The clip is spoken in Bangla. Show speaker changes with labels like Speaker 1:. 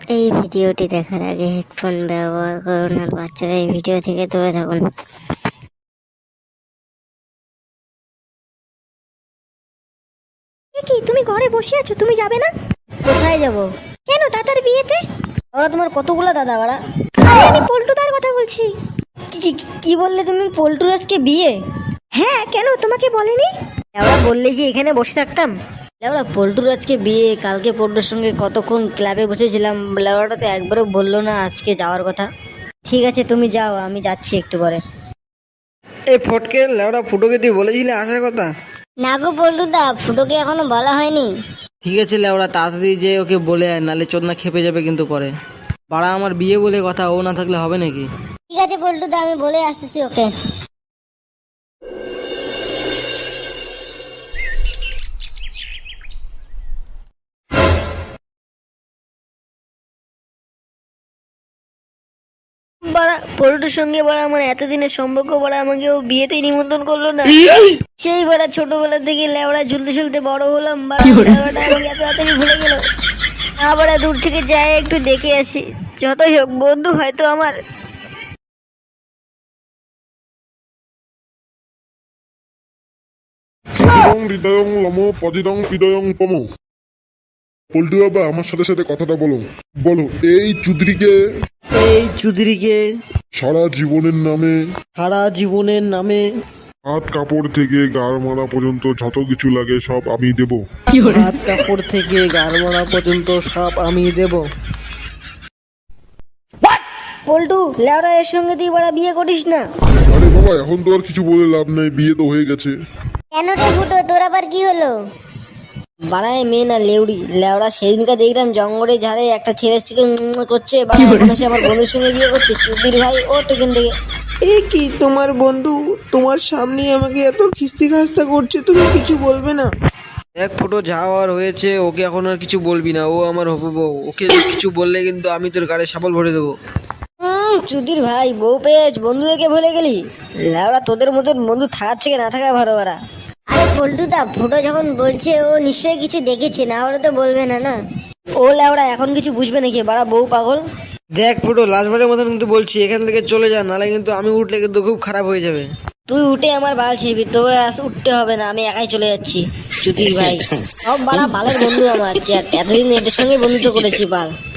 Speaker 1: এই ভিডিওটি দেখার আগে হেডফোন ব্যবহার করুন আর বাচ্চারা এই ভিডিও থেকে দূরে থাকুন।
Speaker 2: কি তুমি ঘরে বসে আছো, তুমি যাবে না?
Speaker 1: কোথায় যাব?
Speaker 2: কেন, দাদার বিয়েতে?
Speaker 1: ওরা তোমার কতগুলো দাদা বাড়া?
Speaker 2: আরে আমি পল্টুদার কথা বলছি।
Speaker 1: কি বললে তুমি? পল্টুর আজকে বিয়ে?
Speaker 2: হ্যাঁ, কেন তোমাকে বলেনি?
Speaker 1: ওরা বললে কি এখানে বসে থাকতাম? লেওড়া পল্টুর আজকে বিয়ে, কালকে পল্টুর সঙ্গে কতক্ষণ ক্লাবে বসেছিলাম, লেওড়াটা তো একবারও বললো না আজকে যাওয়ার কথা। ঠিক আছে তুমি যাও, আমি যাচ্ছি একটু পরে।
Speaker 3: এই ফটকে লেওড়া ফুটোকে দিয়ে বলেছিলে আসার কথা?
Speaker 1: না গো পল্টুদা, ফুটোকে এখনো বলা হয়নি।
Speaker 3: ঠিক আছে লেওড়া, তাড়াতাড়ি যে ওকে বলে আয়, নালে চোদনা খেপে যাবে কিন্তু পরে। বাড়া আমার বিয়ে বলে কথা, ও না থাকলে হবে নাকি?
Speaker 1: ঠিক আছে পল্টুদা, আমি বলে আসতেছি ওকে।
Speaker 2: বাড়া পল্টুর সঙ্গে বাড়া আমার এতদিনের সম্পর্ক, বাড়া আমাকে ও বিয়েতেই নিমন্ত্রণ করলো না। সেই বাড়া ছোটবেলা থেকে লেওড়া ঝুলতে ঝুলতে বড় হলাম, বাড়া লেওড়াটা আমাকে এত তাড়াতাড়ি ভুলে গেল। আবার দূর থেকে যাই একটু দেখে আসি, যতই হোক বন্ধু হয়তো আমার।
Speaker 4: সতিদং হৃদয়ং লম পজিদং হৃদয়ং পম। পল্টু বাবা, আমার সাথে সাথে কথাটা বলো। বলো, এই চুদরিকে
Speaker 3: এই চুদিরিকে
Speaker 4: সারা জীবনের নামে,
Speaker 3: সারা জীবনের নামে,
Speaker 4: হাত কাপড় থেকে গাড় মারা পর্যন্ত যত কিছু লাগে সব আমি দেব।
Speaker 3: হাত কাপড় থেকে গাড় মারা পর্যন্ত সব আমি দেব।
Speaker 2: পল্টু, লেওড়া এর সঙ্গে তুই বাড়া বিয়ে করিস না।
Speaker 4: আরে বাবা, এখন তো আর কিছু বলে লাভ নাই, বিয়ে তো হয়ে গেছে।
Speaker 1: কেন রে ফুটো, তোর আবার কি হলো?
Speaker 2: বাড়ায় মেয়ে না লেউড়ি, লেওড়া সেদিনকে দেখলাম জঙ্গলে ঝাড়ে একটা ছেলে করছে, সে আমার বন্ধুর সঙ্গে বিয়ে করছে। চুদির ভাই ও টেকেন থেকে।
Speaker 5: এ কি তোমার বন্ধু তোমার সামনে আমাকে এত খিস্তি খাস্তা করছে, তুমি কিছু বলবে না?
Speaker 3: এক ফুটো যা হওয়ার হয়েছে, ওকে এখন আর কিছু বলবি না, ও আমার হবু বউ। ওকে কিছু বললে কিন্তু আমি তোর গাড়ি সাবল ভরে দেবো।
Speaker 2: চুদির ভাই, বউ পেয়েছ, বন্ধু একে ভুলে গেলি? লেওড়া তোদের মতন বন্ধু থাকার থেকে না থাকা ভালো। বাড়া
Speaker 1: আরে পল্টুদা, ফুটো যখন বলছে ও নিশ্চয়ই কিছু দেখেছে, না হলে তো বলবে না না।
Speaker 2: ও লেওড়া এখন কিছু বুঝবে নাকি? বাড়া বউ পাগল।
Speaker 3: দেখ ফুটো, লাস্টবারের মতন কিন্তু বলছি, এখান থেকে চলে যা, নালে কিন্তু আমি উঠলে কিন্তু খুব খারাপ হয়ে যাবে।
Speaker 2: তুই উঠে আমার বাল ছিড়বি, তোর উঠতে হবে না, আমি একাই চলে যাচ্ছি। চুদির ভাই সব বাড়া বালের বন্ধু আমার, এতদিন এদের সঙ্গে বন্ধুত্ব করেছি বাল।